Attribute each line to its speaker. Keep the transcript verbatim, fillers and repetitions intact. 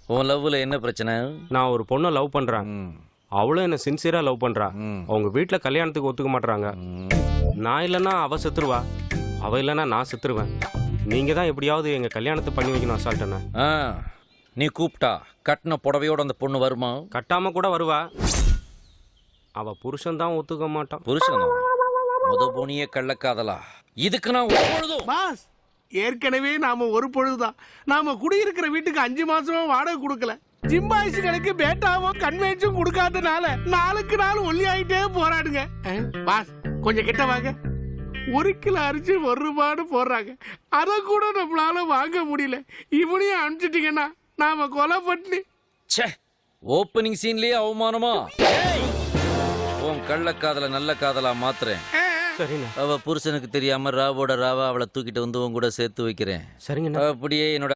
Speaker 1: உன் லவ்ல என்ன பிரச்சனை?
Speaker 2: நான் ஒரு பொண்ணை லவ் பண்றேன். அவளும் என்ன சின்சியரா லவ் பண்றா. அவங்க வீட்டுல கல்யாணத்துக்கு ஒத்துக்க மாட்டாங்க. நான் இல்லைன்னா அவ செத்துருவா, அவ இல்லைன்னா நான் செத்துருவேன். நீங்க தான் எப்படியாவது எங்க கல்யாணத்தை பண்ணி வைக்கணும் அசால்ட்டன.
Speaker 1: நீ கூப்பிட்டா கட்டின புடவையோட அந்த பொண்ணு வருமா?
Speaker 2: கட்டாம கூட வருவா. அவ புருஷன் தான் ஒத்துக்க மாட்டான்.
Speaker 1: புருஷன் முத போனியே கள்ளக்காதலா? இதுக்கு நான் ஒருபொழுதும்
Speaker 3: பாஸ், ஏற்கனவே நாம ஒரு பொழுதுதான் நாம குடியிருக்கிற வீட்டுக்கு அஞ்சு மாசமா வாடகை கொடுக்கல. ஜிம்பாய்ஸுகளுக்கு பேட்டாவும் கன்வென்ஷன் கொடுக்காதனால நாளுக்கு நாள் ஒல்லி ஆயிட்டே போராடுங்க. பாஸ் கொஞ்சம் கிட்ட வாங்க. ஒரு கிலோ அரிசி ஒரு ரூபான்னு போடுறாங்க, அதை கூட நம்மளால வாங்க முடியல. இவனையும் அனுப்பிச்சிட்டீங்கன்னா நாம கொலை பண்ணி.
Speaker 1: ஓப்பனிங் சீன்லயே அவமானமா? உன் கள்ளக்காதல நல்ல காதலா மாத்துறேன்.
Speaker 2: சரிண்ணா.
Speaker 1: அவ புருஷனுக்கு தெரியாம ராவோட ராவா அவளை தூக்கிட்டு வந்து உன் கூட சேர்த்து வைக்கிறேன்.
Speaker 2: சரிங்கண்ணா.
Speaker 1: அப்படியே என்னோட